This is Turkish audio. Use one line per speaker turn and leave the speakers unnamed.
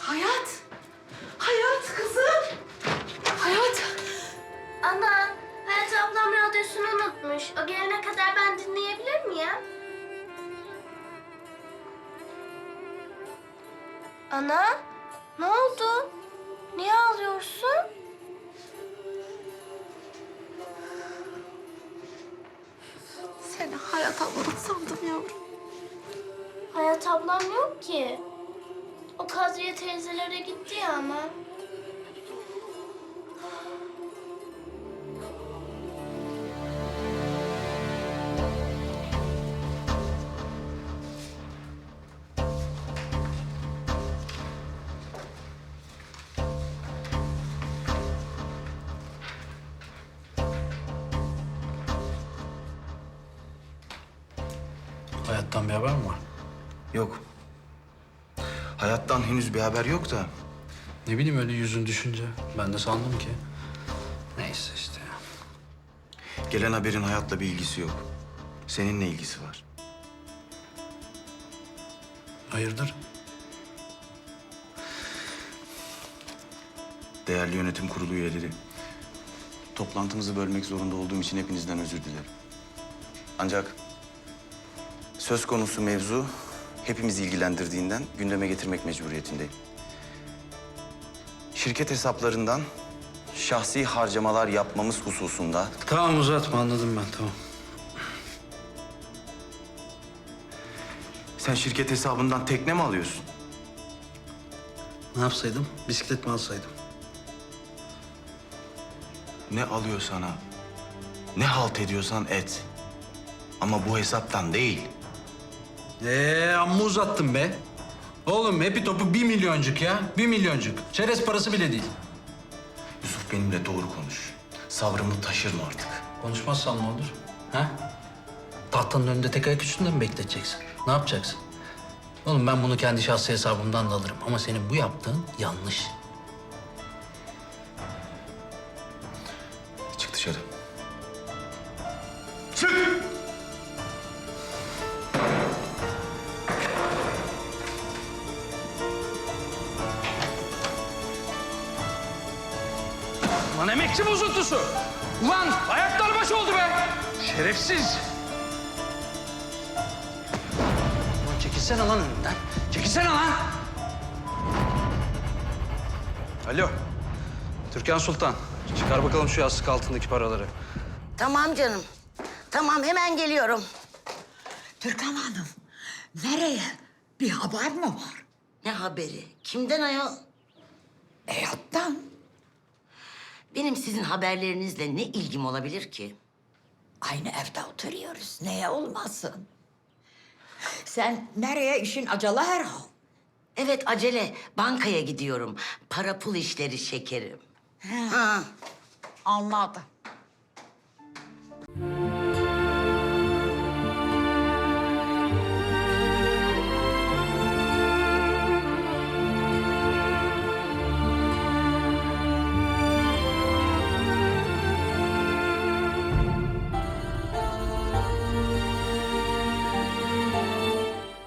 Hayat. Hayat kızım. Hayat.
Ana, Hayat ablam radyosunu unutmuş. O gelene kadar ben dinleyebilir miyim? Ana, ne oldu? Niye ağlıyorsun?
Seni Hayat ablan sandım yavrum.
Hayat ablam yok ki. O Kadriye teyzelere gitti ya ama.
Hayattan bir haber mi var?
Yok. Hayattan henüz bir haber yok da.
Ne bileyim öyle yüzün düşünce. Ben de sandım ki. Neyse işte ya.
Gelen haberin hayatla bir ilgisi yok. Seninle ilgisi var.
Hayırdır?
Değerli yönetim kurulu üyeleri. Toplantımızı bölmek zorunda olduğum için hepinizden özür dilerim. Ancak söz konusu mevzu hepimizi ilgilendirdiğinden gündeme getirmek mecburiyetindeyim. Şirket hesaplarından şahsi harcamalar yapmamız hususunda
Tamam uzatma anladım ben tamam.
sen şirket hesabından tekne mi alıyorsun?
Ne yapsaydım? Bisiklet mi alsaydım?
Ne alıyor sana? Ne halt ediyorsan et. Ama bu hesaptan değil.
Amma uzattım be. Oğlum hepi topu 1 milyoncuk ya. 1 milyoncuk. Çerez parası bile değil.
Yusuf benimle doğru konuş. Sabrımı taşırma artık.
Konuşmazsan ne olur? Ha? Tahtanın önünde tek ayak üstünde mi bekleteceksin? Ne yapacaksın? Oğlum ben bunu kendi şahsi hesabımdan da alırım. Ama senin bu yaptığın yanlış.
Çık dışarı. Çık!
Lan emekçi bozuntusu! Ulan ayaklar baş oldu be! Şerefsiz!
Ulan çekilsene lan önünden. Çekilsene lan! Alo. Türkan Sultan. Çıkar bakalım şu yastık altındaki paraları.
Tamam canım. Tamam hemen geliyorum.
Türkan Hanım, nereye? Bir haber mi var?
Ne haberi? Kimden ayol?
Hayattan.
Benim sizin haberlerinizle ne ilgim olabilir ki?
Aynı evde oturuyoruz. Neye olmasın? Sen nereye? İşin acele herhal.
Evet acele. Bankaya gidiyorum. Para pul işleri şekerim. Ha.
Anladım.